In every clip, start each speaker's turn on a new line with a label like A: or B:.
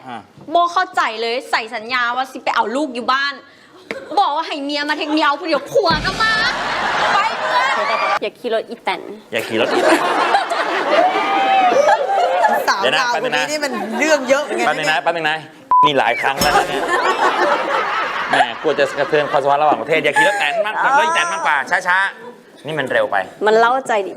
A: โบเข้าใจเลยใส่สัญญาว่าสิไปเอาลูกอยู่บ้านบอกว่าให้เมียมาเทคเมียเอาผู้เดียวผัวก็มาไปเพื่อนอย่าขี่รถอีแตน
B: อย่าขี่รถอีแตน
C: สาวดาวคนนี้นี่มันเรื่องเยอะไง
B: แป๊บนึงนะนี่หลายครั้งแล้วนะเนี่ยแหมกลัวจะกระเทือนความสัมพันธ์ระหว่างประเทศอย่าขี่รถแตนมากรถอีแตนมากกว่าช้าๆนี่มันเร็วไป
A: มันเล่าใจดิ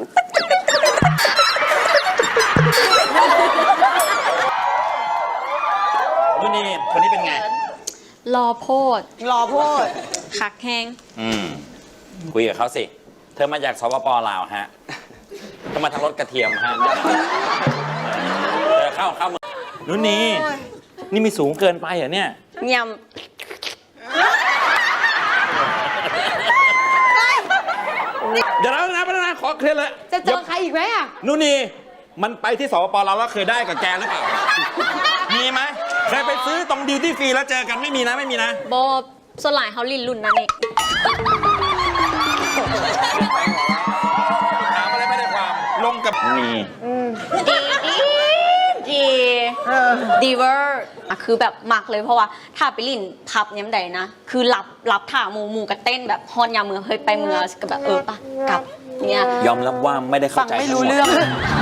B: นี่คนนี้เป็นไง
A: รอโพด
C: รอโพด
A: คักแห้ง
B: คุยกับเขาสิเธอมาจากสปป.ลาวฮะก็มาทางรถกระเทียมฮะเข้ามือนุ่นนี่มีสูงเกินไปเหรอเนี่ย
A: ย
B: เดี๋ยวนะขอเคลียร์เลย
C: จะเจอใครอีกไหมอ่ะ
B: นุ่นนี่มันไปที่สปป.ลาวแล้วเคยได้กับแกหรือเปล่ามีไหมเคยไปซื้อตรงดิวตี้ฟรีแล้วเจอกันไม่มีนะ
A: ำโบสลายเขาลินรุ่นนั่นเอง
B: ถามอะไรไม่ได้ความลงกับมี
A: ดีเวอร์อะคือแบบมักเลยเพราะว่าถ้าไปลินพับย้ำใดนะคือรับถ่าหมูกระเต้นแบบฮอนยาเมือเฮ้ยไปเมือก็แบบปะกลับเนี่ย
B: ยอมรับว่าไม่ได้เข้าใจ
C: ฟังไม่รู้เรื่อง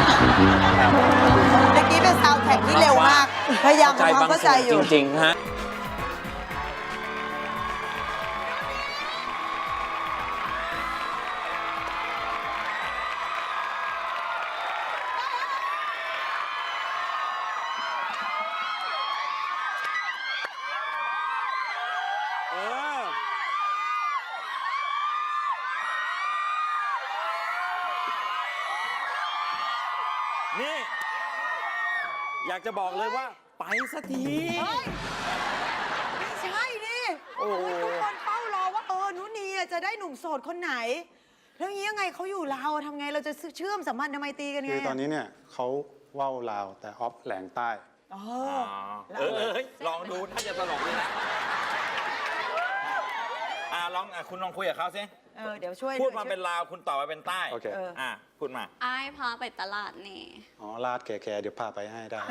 C: เมื่อกี้เป็นซาวด์แทร็กที่เร็วมาก พยายามทำความเข้าใจอยู่
B: จริงๆฮะนี่อยากจะบอกเลยว่าไปสักที
C: ไม่ใช่ดิโอ้ทุกคนเฝ้ารอว่านุนีจะได้หนุ่มโสดคนไหน แล้วนี้ยังไงเขาอยู่ลาวทำไงเราจะเชื่อมสัมพันธ์ไมตรีกันไง
D: คือตอนนี้เนี่ยเขาว่าวลาวแต่ออฟแหลงใต้
B: ลองดูถ้าจะตลกเลยนะคุณลองคุยกับเขาสิ
C: เดี๋ยวช่วย
B: พูดมาเป็นลาวคุณตอบมาเป็นใต้
D: โอเค
B: พูดมา
A: อ้ายพาไปตลาดนี่
D: อ๋อลาดแก่ๆเดี๋ยวพาไปให้ได้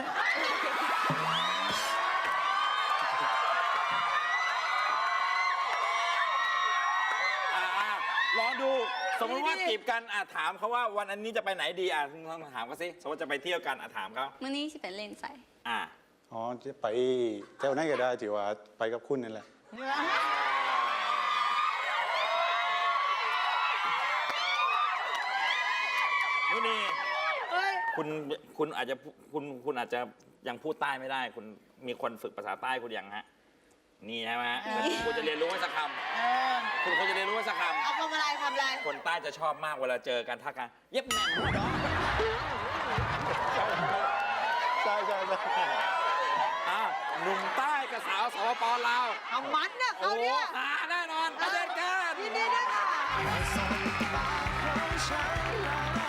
B: ลองดูสมมติว่าจีบกันถามเขาว่าวันนี้จะไปไหนดีลองถามเขาสิสมมติจะไปเที่ยวกันถามเขา
A: มื้อนี้สิเป็นเล่นใส่
D: อ๋อจะไปเที่ยวไหนก็ได้ถือว่าไปกับคุณนั่นแหละ
B: นี่คุณอาจจะคุณอาจจะยังพูดใต้ไม่ได้คุณมีคนฝึกภาษาใต้คุณยังฮะนี่ใช่ไหมฮะคุณจะเรียนรู้ว่าสักคำคุณควรจะเรียนรู้ว่าสักคำ
C: เอาทำอะไร
B: คนใต้จะชอบมากเวลาเจอกันทักกันเย็บแหนม
D: ใช่
B: หนุ่มใต้กับสาวสปป.ลาว
C: เอามันนะเขาเนี่ย
B: แน่นอนประเด็นกัน
C: ยินดีด้วยค่ะ